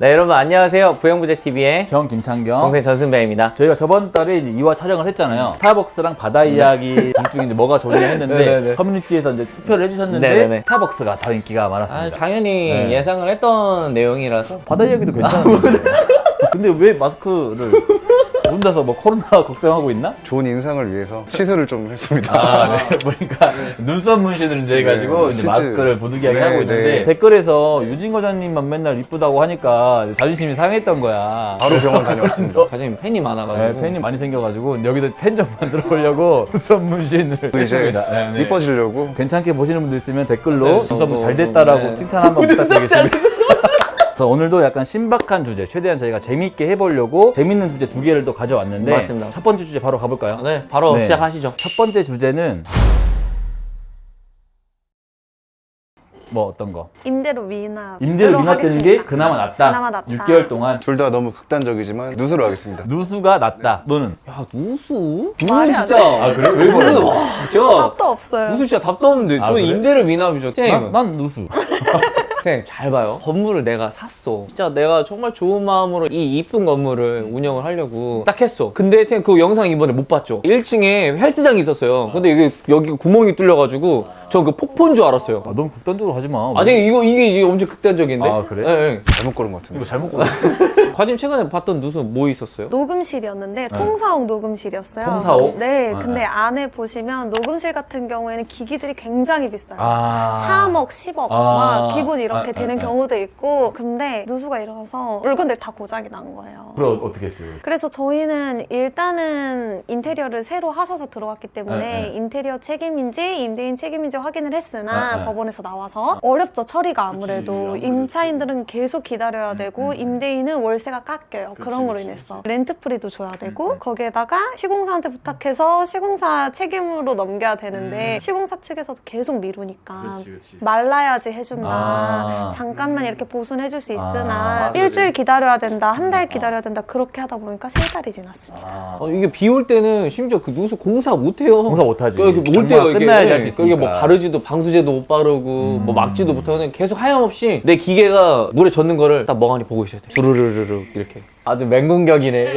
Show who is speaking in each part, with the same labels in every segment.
Speaker 1: 네, 여러분 안녕하세요. 부영부재TV의
Speaker 2: 김창경
Speaker 1: 동생 전승배입니다.
Speaker 2: 저희가 저번 달에 이제 2화 촬영을 했잖아요. 스타벅스랑 바다 이야기 둘 중에 이제 뭐가 좋냐 했는데
Speaker 1: 네네네.
Speaker 2: 커뮤니티에서 이제 투표를 해주셨는데
Speaker 1: 네네네.
Speaker 2: 스타벅스가 더 인기가 많았습니다.
Speaker 1: 당연히
Speaker 2: 네.
Speaker 1: 예상을 했던 내용이라서.
Speaker 2: 바다 이야기도 괜찮은데 근데 왜 마스크를 혼자서 뭐 코로나 걱정하고 있나?
Speaker 3: 좋은 인상을 위해서 시술을 좀 했습니다.
Speaker 2: 아, 네. 보니까 눈썹 문신을 이제 해가지고
Speaker 3: 네,
Speaker 2: 이제
Speaker 3: 시즈.
Speaker 2: 마스크를 부득이하게
Speaker 3: 네,
Speaker 2: 하고 있는데
Speaker 3: 네.
Speaker 2: 댓글에서 유진 과장님만 맨날 이쁘다고 하니까 자존심이 상했던 거야.
Speaker 3: 바로 병원 다녀왔습니다.
Speaker 1: 과장님 팬이 많아가지고.
Speaker 2: 네, 팬이 많이 생겨가지고 여기도 팬 좀 만들어 보려고 눈썹 문신을
Speaker 3: 또 이제
Speaker 2: 했습니다. 네, 네.
Speaker 3: 이뻐지려고
Speaker 2: 괜찮게 보시는 분들 있으면 댓글로
Speaker 1: 네,
Speaker 2: 눈썹
Speaker 1: 뭐,
Speaker 2: 잘 됐다라고
Speaker 1: 네.
Speaker 2: 칭찬 한번 부탁드리겠습니다. 그래서 오늘도 약간 신박한 주제, 최대한 저희가 재미있게 해보려고 재밌는 주제 두 개를 또 가져왔는데
Speaker 1: 맞습니다.
Speaker 2: 첫 번째 주제 바로 가볼까요?
Speaker 1: 네, 바로
Speaker 2: 네.
Speaker 1: 시작하시죠.
Speaker 2: 첫 번째 주제는 뭐 어떤 거?
Speaker 4: 임대료 미납.
Speaker 2: 임대료 미납되는 게 그나마 낫다.
Speaker 4: 그나마 낫다.
Speaker 2: 6개월 동안
Speaker 3: 둘 다 너무 극단적이지만 누수로 하겠습니다.
Speaker 2: 누수가 낫다. 너는?
Speaker 1: 야, 누수?
Speaker 4: 말이
Speaker 1: 누수
Speaker 4: 안
Speaker 1: 진짜.
Speaker 4: 돼.
Speaker 2: 아 그래? 왜 그래?
Speaker 1: 와, 제가
Speaker 4: 답도 없어요.
Speaker 1: 누수 진짜 답도 없는데.
Speaker 2: 아,
Speaker 1: 저는
Speaker 2: 그래?
Speaker 1: 임대료 미납이죠.
Speaker 2: 난 누수.
Speaker 1: 그냥 잘 봐요. 건물을 내가 샀어. 진짜 내가 정말 좋은 마음으로 이 이쁜 건물을 운영을 하려고 딱 했어. 근데 그냥 그 영상 이번에 못 봤죠. 1층에 헬스장이 있었어요. 근데 이게 여기 구멍이 뚫려가지고 저 그 폭포인 줄 알았어요.
Speaker 2: 아, 너무 극단적으로 하지 마.
Speaker 1: 아, 이게 이제 엄청 극단적인데?
Speaker 2: 아, 그래?
Speaker 1: 네,
Speaker 3: 잘못 고른 것 같은데.
Speaker 2: 이거 잘못 고른
Speaker 1: 과장님 최근에 봤던 누수 뭐 있었어요?
Speaker 4: 녹음실이었는데 통사옥 녹음실이었어요.
Speaker 2: 통사옥?
Speaker 4: 네,
Speaker 2: 네.
Speaker 4: 근데 안에 보시면 녹음실 같은 경우에는 기기들이 굉장히 비싸요.
Speaker 2: 아.
Speaker 4: 3억, 10억
Speaker 2: 아.
Speaker 4: 막 기본 이렇게
Speaker 2: 아,
Speaker 4: 되는
Speaker 2: 아, 아.
Speaker 4: 경우도 있고 근데 누수가 일어나서 물건들이 다 고장이 난 거예요.
Speaker 2: 그럼 어떻게 했어요?
Speaker 4: 그래서 저희는 일단은 인테리어를 새로 하셔서 들어왔기 때문에
Speaker 2: 네.
Speaker 4: 인테리어 책임인지 임대인 책임인지 확인을 했으나
Speaker 2: 네.
Speaker 4: 법원에서 나와서 어렵죠. 처리가 아무래도.
Speaker 2: 아무래도.
Speaker 4: 임차인들은 계속 기다려야 되고 임대인은 월세가 깎여요. 그런 거로
Speaker 2: 그치,
Speaker 4: 인해서 렌트프리도 줘야 되고 거기에다가 시공사한테 부탁해서 시공사 책임으로 넘겨야 되는데 시공사 측에서도 계속 미루니까 말라야지 해준다.
Speaker 2: 아.
Speaker 4: 잠깐만 이렇게 보수는 해줄 수
Speaker 2: 아,
Speaker 4: 있으나
Speaker 2: 맞아.
Speaker 4: 일주일 기다려야 된다. 한 달 기다려야 된다. 그렇게 하다 보니까 3달이 지났습니다.
Speaker 2: 아.
Speaker 1: 이게 비 올 때는 심지어 그 누수 공사 못 해요.
Speaker 2: 공사 못 하지.
Speaker 1: 이게 올
Speaker 2: 장마가
Speaker 1: 때요. 이게
Speaker 2: 끝나야지 할수
Speaker 1: 이게
Speaker 2: 있으니까.
Speaker 1: 뭐 바르지도 방수제도 못 바르고 뭐 막지도 못하고 그냥 계속 하염없이 내 기계가 물에 젖는 거를 딱 멍하니 보고 있어야 돼. 주르르르르 이렇게. 아주 맹공격이네.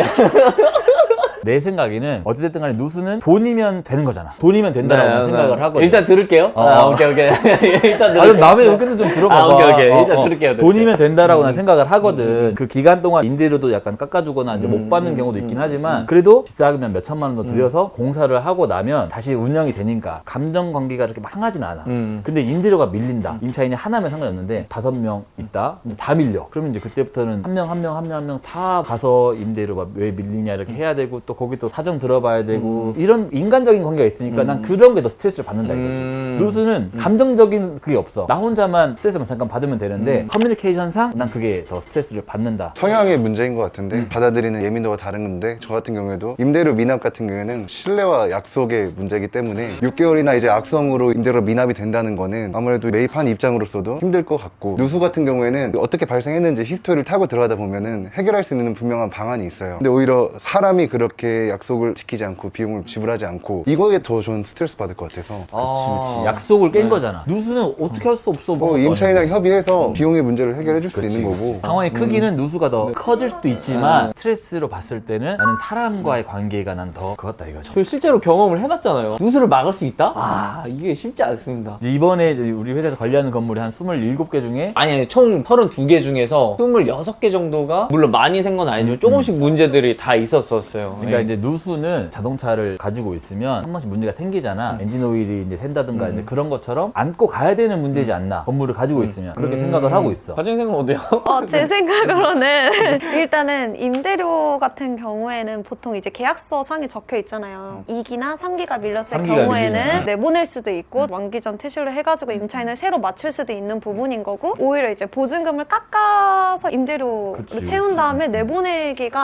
Speaker 2: 내 생각에는 어찌됐든 간에 누수는 돈이면 되는 거잖아. 돈이면 된다라고 생각을 하거든.
Speaker 1: 일단 들을게요. 오케이. 일단 들을게요.
Speaker 2: 아, 그럼 남의 의견도 좀 들어봐봐.
Speaker 1: 아, 오케이. 일단 들을게요.
Speaker 2: 돈이면 된다라고 난 생각을 하거든. 그 기간 동안 임대료도 약간 깎아주거나 이제 못 받는 경우도 있긴 하지만 그래도 비싸면 몇 천만 원 더 들여서 공사를 하고 나면 다시 운영이 되니까 감정 관계가 이렇게 막 상하진 않아. 근데 임대료가 밀린다. 임차인이 하나면 상관없는데 5명 있다. 근데 다 밀려. 그러면 이제 그때부터는 한 명 다 가서 임대료가 왜 밀리냐 이렇게 해야 되고 또 거기 또 사정 들어봐야 되고 이런 인간적인 관계가 있으니까 난 그런 게 더 스트레스를 받는다 이거지. 누수는 감정적인 그게 없어. 나 혼자만 스트레스만 잠깐 받으면 되는데 커뮤니케이션상 난 그게 더 스트레스를 받는다.
Speaker 3: 성향의 문제인 것 같은데 받아들이는 예민도가 다른 건데 저 같은 경우에도 임대료 미납 같은 경우에는 신뢰와 약속의 문제이기 때문에 6개월이나 이제 악성으로 임대료 미납이 된다는 거는 아무래도 매입한 입장으로서도 힘들 것 같고 누수 같은 경우에는 어떻게 발생했는지 히스토리를 타고 들어가다 보면은 해결할 수 있는 분명한 방안이 있어요. 근데 오히려 사람이 그렇게 약속을 지키지 않고 비용을 지불하지 않고 이거에 더 저는 스트레스 받을 것 같아서
Speaker 2: 그치. 약속을 깬 거잖아. 누수는 어떻게 할 수 없어.
Speaker 3: 뭐 임차인이랑 협의해서 비용의 문제를 해결해 줄 수도 있는 거고
Speaker 2: 상황의 크기는 누수가 더 커질 수도 있지만 스트레스로 봤을 때는 나는 사람과의 관계가 난 더 그렇다 이거죠.
Speaker 1: 저 실제로 경험을 해봤잖아요. 누수를 막을 수 있다? 아, 이게 쉽지 않습니다.
Speaker 2: 이제 이번에 우리 회사에서 관리하는 건물이 한 27개 중에
Speaker 1: 아니, 총 32개 중에서 26개 정도가 물론 많이 생 건 아니지만 조금씩 문제들이 다 있었어요.
Speaker 2: 그러니까 이제 누수는 자동차를 가지고 있으면 한 번씩 문제가 생기잖아. 엔진 오일이 이제 샌다든가 이제 그런 것처럼 안고 가야 되는 문제지 않나. 건물을 가지고 있으면 그렇게 생각을 하고 있어.
Speaker 1: 과장 생각은 어때요?
Speaker 4: 제 생각으로는 일단은 임대료 같은 경우에는 보통 이제 계약서 상에 적혀 있잖아요. 2기나 3기가 밀렸을
Speaker 2: 3기가
Speaker 4: 경우에는
Speaker 2: 밀리면.
Speaker 4: 내보낼 수도 있고 만기 전 퇴실로 해가지고 임차인을 새로 맞출 수도 있는 부분인 거고 오히려 이제 보증금을 깎아서 임대료를
Speaker 2: 그치,
Speaker 4: 채운
Speaker 2: 그치.
Speaker 4: 다음에 내보내기가 쉽고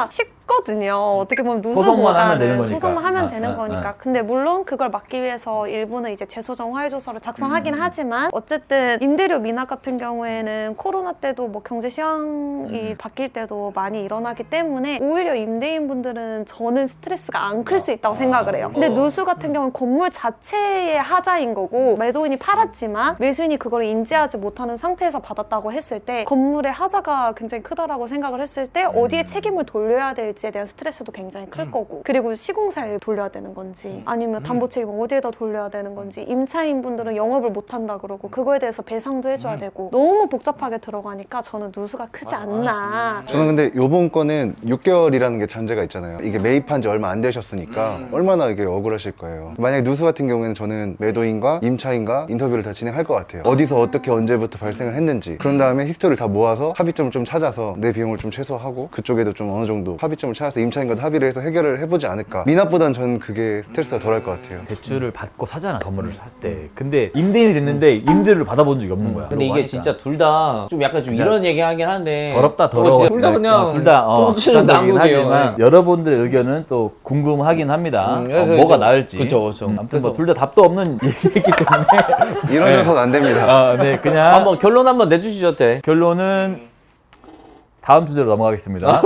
Speaker 4: 쉽거든요. 어떻게 보면
Speaker 2: 소송만 하면 되는
Speaker 4: 누수보다는
Speaker 2: 거니까.
Speaker 4: 소송만 하면
Speaker 2: 아,
Speaker 4: 되는
Speaker 2: 아,
Speaker 4: 거니까.
Speaker 2: 아.
Speaker 4: 근데 물론 그걸 막기 위해서 일부는 이제 재소정 화해조서를 작성하긴
Speaker 2: 음.
Speaker 4: 하지만 어쨌든 임대료 미납 같은 경우에는 코로나 때도 뭐 경제 시황이 바뀔 때도 많이 일어나기 때문에 오히려 임대인분들은 저는 스트레스가 안 클 수 있다고 생각을 해요. 근데 누수 같은 경우는 건물 자체의 하자인 거고 매도인이 팔았지만 매수인이 그걸 인지하지 못하는 상태에서 받았다고 했을 때 건물의 하자가 굉장히 크다라고 생각을 했을 때 어디에 책임을 돌려야 될지에 대한 스트레스도 굉장히 클 거고 그리고 시공사에 돌려야 되는 건지 아니면 담보 책임을 어디에다 돌려야 되는 건지 임차인분들은 영업을 못 한다 그러고 그거에 대해서 배상도 해줘야 되고 너무 복잡하게 들어가니까 저는 누수가 크지 않나.
Speaker 3: 저는 근데 요번 거는 6개월이라는 게 전제가 있잖아요. 이게 매입한 지 얼마 안 되셨으니까 얼마나 이게 억울하실 거예요. 만약에 누수 같은 경우에는 저는 매도인과 임차인과 인터뷰를 다 진행할 것 같아요. 어디서 어떻게 언제부터 발생을 했는지 그런 다음에 히스토리를 다 모아서 합의점을 좀 찾아서 내 비용을 좀 최소화하고 그쪽에도 좀 어느 정도 합의점을 찾아서 임차인과도 합의를 해서 해결을 해보지 않을까. 미납보단 저는 그게 스트레스가 덜할 것 같아요.
Speaker 2: 대출을 받고 사잖아 건물을 살 때. 근데 임대인이 됐는데 임대료를 받아본 적이 없는 거야.
Speaker 1: 근데 이게
Speaker 2: 하니까.
Speaker 1: 진짜 둘 다 좀 약간 좀 이런 얘기 하긴 한데
Speaker 2: 더럽다 더러워.
Speaker 1: 둘 다 그냥
Speaker 2: 둘다
Speaker 1: 똥치는
Speaker 2: 극단적이긴
Speaker 1: 난국이에요.
Speaker 2: 하지만 여러분들의 의견은 또 궁금하긴 합니다.
Speaker 1: 그래서
Speaker 2: 뭐가
Speaker 1: 이제-
Speaker 2: 나을지.
Speaker 1: 그쵸, 그쵸.
Speaker 2: 아무튼
Speaker 1: 그래서-
Speaker 2: 뭐 둘 다 답도 없는 얘기이기 때문에
Speaker 3: 이러셔서는 안 됩니다.
Speaker 2: 네 그냥
Speaker 1: 한번 결론 한번 내주시죠, 때.
Speaker 2: 결론은 다음 주제로 넘어가겠습니다.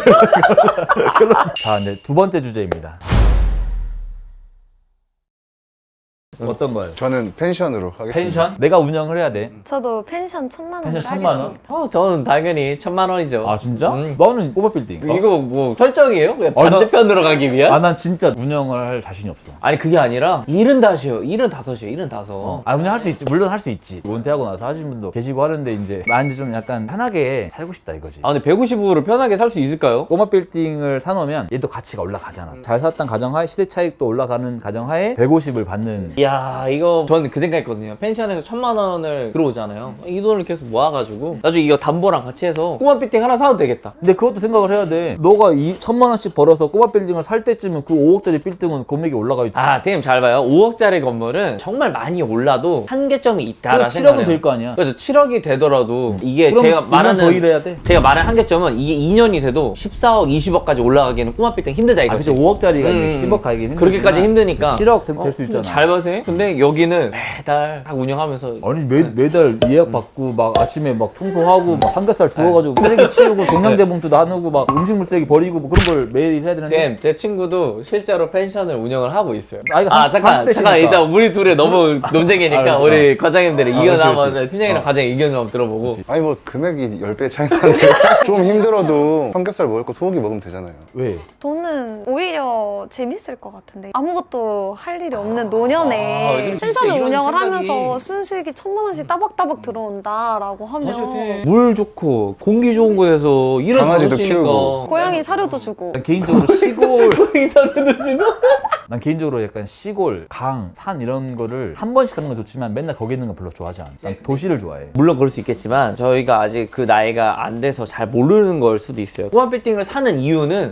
Speaker 2: 자, 이제 두 번째 주제입니다. 어떤 거요?
Speaker 3: 저는 펜션으로 하겠습니다.
Speaker 2: 펜션? 내가 운영을 해야 돼.
Speaker 4: 저도 펜션 1,000만 원
Speaker 2: 펜션 1,000만 원?
Speaker 1: 저는 당연히 1,000만 원이죠.
Speaker 2: 아 진짜?
Speaker 1: 음.
Speaker 2: 너는 꼬마 빌딩.
Speaker 1: 이거 뭐 설정이에요? 그냥
Speaker 2: 나-
Speaker 1: 반대편으로 가기 위한?
Speaker 2: 아 난 진짜 운영을 할 자신이 없어.
Speaker 1: 아니 그게 아니라 75이요. 75이요. 75.
Speaker 2: 아 운영할 수 있지. 물론 할 수 있지. 은퇴하고 나서 하신 분도 계시고 하는데 이제 난 이제 좀 약간 편하게 살고 싶다 이거지.
Speaker 1: 아 근데 150으로 편하게 살 수 있을까요?
Speaker 2: 꼬마 빌딩을 사놓으면 얘도 가치가 올라가잖아. 잘 샀던 가정하에 시세 차익도 올라가는 가정하에 150을 받는.
Speaker 1: 이야 이거 저는 그 생각했거든요. 펜션에서 1,000만 원을 들어오잖아요. 이 돈을 계속 모아가지고 나중에 이거 담보랑 같이 해서 꼬마 빌딩 하나 사도 되겠다.
Speaker 2: 근데 그것도 생각을 해야 돼. 너가 1,000만 원씩 벌어서 꼬마 빌딩을 살 때쯤은 그 5억짜리 빌딩은 금액이 올라가 있지.
Speaker 1: 아 대님 잘 봐요. 5억짜리 건물은 정말 많이 올라도 한계점이 있다라
Speaker 2: 그럼
Speaker 1: 생각해요.
Speaker 2: 7억은 될 거 아니야.
Speaker 1: 그래서 7억이 되더라도 이게
Speaker 2: 그럼
Speaker 1: 제가
Speaker 2: 2년
Speaker 1: 말하는
Speaker 2: 더 일해야 돼.
Speaker 1: 제가 말하는 한계점은 이게 2년이 돼도 14억, 20억까지 올라가기에는 꼬마 빌딩 힘들다
Speaker 2: 아
Speaker 1: 이거지.
Speaker 2: 그치 5억짜리가 이제 10억 가긴 힘들지만
Speaker 1: 그렇게까지 힘드니까
Speaker 2: 7억 될 수 있잖아.
Speaker 1: 잘 봐세요. 근데 여기는 매달 딱 운영하면서
Speaker 2: 아니 매달 예약 받고 막 아침에 막 청소하고 막 삼겹살 주워가지고 쓰레기 치우고 종량제 봉투 나누고 막 음식물 쓰레기 버리고 뭐 그런 걸 매일 해야 되는데
Speaker 1: 제 친구도 실제로 펜션을 운영을 하고 있어요.
Speaker 2: 아이가
Speaker 1: 잠깐
Speaker 2: 30대시니까.
Speaker 1: 일단 우리 둘이 너무 논쟁이니까
Speaker 2: 알았어.
Speaker 1: 우리 과장님들의 의견
Speaker 2: 그렇지,
Speaker 1: 한번
Speaker 2: 그렇지.
Speaker 1: 팀장이랑 과장님 의견 좀 한번 들어보고.
Speaker 3: 아니 뭐 금액이 10배 차이 나는데 좀 힘들어도 삼겹살 먹을 거 소고기 먹으면 되잖아요.
Speaker 2: 왜?
Speaker 4: 저는 오히려 재밌을 것 같은데 아무것도 할 일이 없는
Speaker 1: 아,
Speaker 4: 노년에
Speaker 1: 이거 진짜
Speaker 4: 펜션을
Speaker 1: 이런
Speaker 4: 운영을
Speaker 1: 생각이-
Speaker 4: 하면서 순수익이 1,000만 원씩 따박따박 들어온다라고 하면
Speaker 1: 물 좋고 공기 좋은 곳에서 이런
Speaker 3: 강아지도
Speaker 1: 다섯이니까.
Speaker 3: 키우고.
Speaker 4: 고양이 사료도 주고
Speaker 2: 난 개인적으로 시골
Speaker 1: 의사도 주고.
Speaker 2: 난 개인적으로 약간 시골, 강, 산 이런 거를 한 번씩 가는 건 좋지만 맨날 거기 있는 건 별로 좋아하지 않아. 난 도시를 좋아해.
Speaker 1: 물론 그럴 수 있겠지만 저희가 아직 그 나이가 안 돼서 잘 모르는 걸 수도 있어요. 꼬마 빌딩을 사는 이유는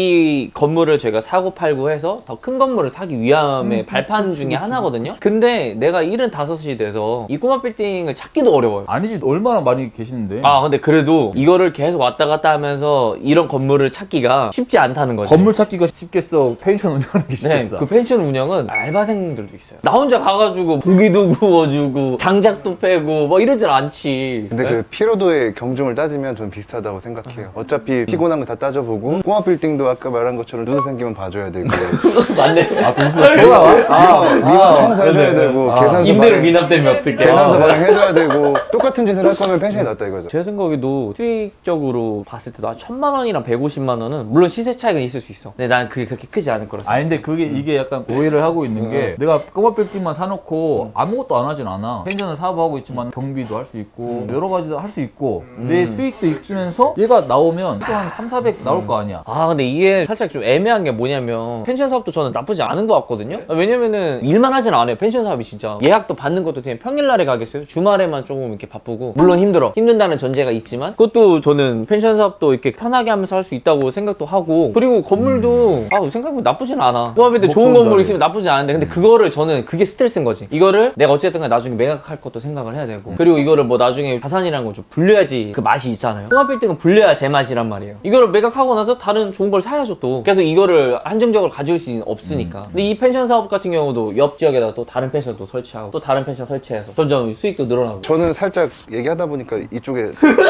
Speaker 1: 이 건물을 저희가 사고 팔고 해서 더 큰 건물을 사기 위함의 발판 중에 하나거든요. 근데 내가 75이 돼서 이 꼬마 빌딩을 찾기도 어려워요.
Speaker 2: 아니지 얼마나 많이 계시는데.
Speaker 1: 아 근데 그래도 이거를 계속 왔다 갔다 하면서 이런 건물을 찾기가 쉽지 않다는 거죠.
Speaker 2: 건물 찾기가 쉽겠어. 펜션 운영하는 게
Speaker 1: 네,
Speaker 2: 쉽겠어.
Speaker 1: 그 펜션 운영은 알바생들도 있어요. 나 혼자 가가지고 고기도 구워주고 장작도 빼고 뭐 이러진 않지.
Speaker 3: 근데
Speaker 1: 네?
Speaker 3: 그 피로도의 경중을 따지면 전 비슷하다고 생각해요. 어차피 피곤한 거 다 따져보고 꼬마 빌딩도 아까 말한 것처럼 누수 생기면 봐줘야 되고
Speaker 1: 맞네.
Speaker 2: 아 동수가 또 나와?
Speaker 3: 미만 청소해줘야
Speaker 2: 네네.
Speaker 3: 되고
Speaker 2: 아.
Speaker 3: 계산서
Speaker 1: 임대료
Speaker 3: 발행,
Speaker 1: 미납 때문에 어떡해.
Speaker 3: 계산서 발행해줘야 되고 똑같은 짓을 할 거면 펜션이 낫다 이거죠.
Speaker 1: 제 생각에도 수익적으로 봤을 때도 한 1,000만 원이랑 150만 원은 물론 시세 차이가 있을 수 있어. 근데 난 그게 그렇게 크지 않을 거라 생각해.
Speaker 2: 아니 근데 그게 이게 약간 오해를 하고 있는 게 내가 꼬마 빌딩만 사놓고 아무것도 안 하진 않아. 펜션을 사업하고 있지만 경비도 할 수 있고 여러 가지도 할 수 있고 내 수익도 있으면서 얘가 나오면 또 한 3, 400 나올 거 아니야.
Speaker 1: 아 근데 이게 살짝 좀 애매한 게 뭐냐면 펜션 사업도 저는 나쁘지 않은 것 같거든요. 왜냐면은 일만 하지 나쁘진 않아요. 펜션 사업이 진짜 예약도 받는 것도 그냥 평일날에 가겠어요. 주말에만 조금 이렇게 바쁘고 물론 힘든다는 전제가 있지만 그것도 저는 펜션 사업도 이렇게 편하게 하면서 할 수 있다고 생각도 하고 그리고 건물도 생각해보면 나쁘진 않아. 코앞에 좋은 건물 있으면 나쁘진 않은데 근데 그거를 저는 그게 스트레스인 거지. 이거를 내가 어쨌든 간에 나중에 매각할 것도 생각을 해야 되고 그리고 이거를 뭐 나중에 자산이라는 걸 좀 불려야지 그 맛이 있잖아요. 통합빌딩은 불려야 제맛이란 말이에요. 이거를 매각하고 나서 다른 좋은 걸 사야죠 또. 계속 이거를 한정적으로 가질 수 없으니까. 근데 이 펜션 사업 같은 경우도 옆 지역에다가 또 다른 펜션도 설치하고 또 다른 펜션 설치해서 점점 수익도 늘어나고.
Speaker 3: 저는 살짝 얘기하다 보니까 이쪽에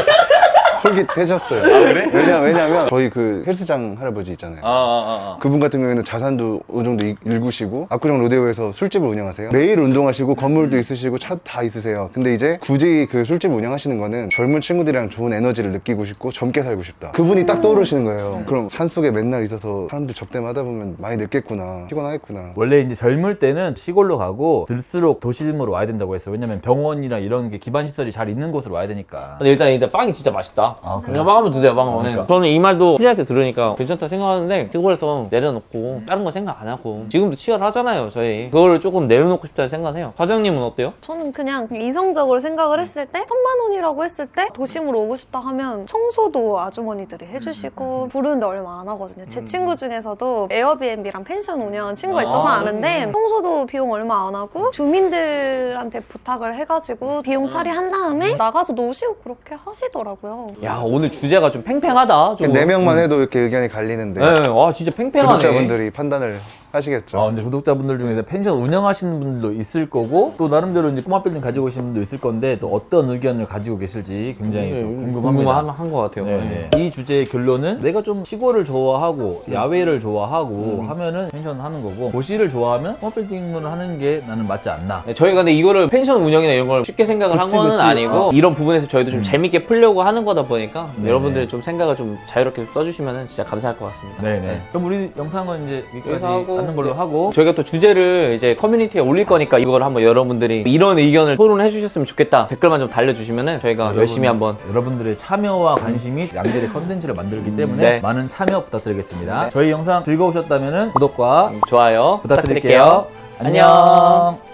Speaker 3: 솔깃해졌어요. 그래? 왜냐면 저희 그 헬스장 할아버지 있잖아요. 그분 같은 경우에는 자산도 어느 정도 일구시고 압구정 로데오에서 술집을 운영하세요. 매일 운동하시고 건물도 있으시고 차 다 있으세요. 근데 이제 굳이 그 술집을 운영하시는 거는 젊은 친구들이랑 좋은 에너지를 느끼고 싶고 젊게 살고 싶다. 그분이 딱 떠오르시는 거예요. 그럼 산속에 맨날 있어서 사람들 접대하다 보면 많이 늙겠구나, 피곤하겠구나.
Speaker 2: 원래 이제 젊을 때는 시골로 가고 들수록 도심으로 와야 된다고 했어요. 왜냐면 병원이나 이런 게 기반 시설이 잘 있는 곳으로 와야 되니까.
Speaker 1: 근데 일단 빵이 진짜 맛있다.
Speaker 2: 그래?
Speaker 1: 그냥 빵 한번 드세요, 빵 한번.
Speaker 2: 그러니까.
Speaker 1: 저는 이 말도 피디한테 들으니까 괜찮다 생각하는데 시골에서 내려놓고 다른 거 생각 안 하고 지금도 치열하잖아요, 저희. 그거를 조금 내려놓고 싶다는 생각해요. 과장님은 어때요?
Speaker 4: 저는 그냥 이성적으로 생각을 했을 때 1,000만 원이라고 했을 때 도심으로 오고 싶다 하면 청소도 아주머니들이 해주시고 부르는데 얼마 안 하거든요. 제 친구 중에서도 에어비앤비랑 펜션 운영한 친구가 있어서 아는데 청소도 비용 얼마 안 하고 주민들한테 부탁을 해가지고 비용 처리한 다음에 나가서 노시고 그렇게 하시더라고요.
Speaker 1: 야, 오늘 주제가 좀 팽팽하다. 좀.
Speaker 3: 4명만 해도 이렇게 의견이 갈리는데
Speaker 1: 네, 와 진짜 팽팽하네.
Speaker 3: 구독자분들이 판단을 하시겠죠.
Speaker 2: 근데 구독자분들 중에서 펜션 운영하시는 분들도 있을 거고 또 나름대로 이제 꼬마 빌딩 가지고 계신 분도 있을 건데 또 어떤 의견을 가지고 계실지 굉장히 또 궁금합니다.
Speaker 1: 궁금한 것 같아요.
Speaker 2: 네. 이 주제의 결론은 내가 좀 시골을 좋아하고 야외를 좋아하고 하면은 펜션 하는 거고 도시를 좋아하면 꼬마 빌딩을 하는 게 나는 맞지 않나.
Speaker 1: 네, 저희가 근데 이거를 펜션 운영이나 이런 걸 쉽게 생각을
Speaker 2: 그치,
Speaker 1: 한 거는
Speaker 2: 그치.
Speaker 1: 아니고 이런 부분에서 저희도 좀 재밌게 풀려고 하는 거다 보니까
Speaker 2: 네네.
Speaker 1: 여러분들이 좀 생각을 좀 자유롭게 써주시면 진짜 감사할 것 같습니다.
Speaker 2: 네네. 그럼 우리 영상은 이제 여기까지
Speaker 1: 여기서 하고,
Speaker 2: 하는 걸로
Speaker 1: 네.
Speaker 2: 하고
Speaker 1: 저희가 또 주제를 이제 커뮤니티에 올릴 거니까 이걸 한번 여러분들이 이런 의견을 토론해 주셨으면 좋겠다 댓글만 좀 달려주시면은 저희가 열심히 한번
Speaker 2: 여러분들의 참여와 관심이 양질의 컨텐츠를 만들기 때문에
Speaker 1: 네.
Speaker 2: 많은 참여 부탁드리겠습니다. 저희 영상 즐거우셨다면 구독과
Speaker 1: 좋아요
Speaker 2: 부탁드릴게요. 안녕.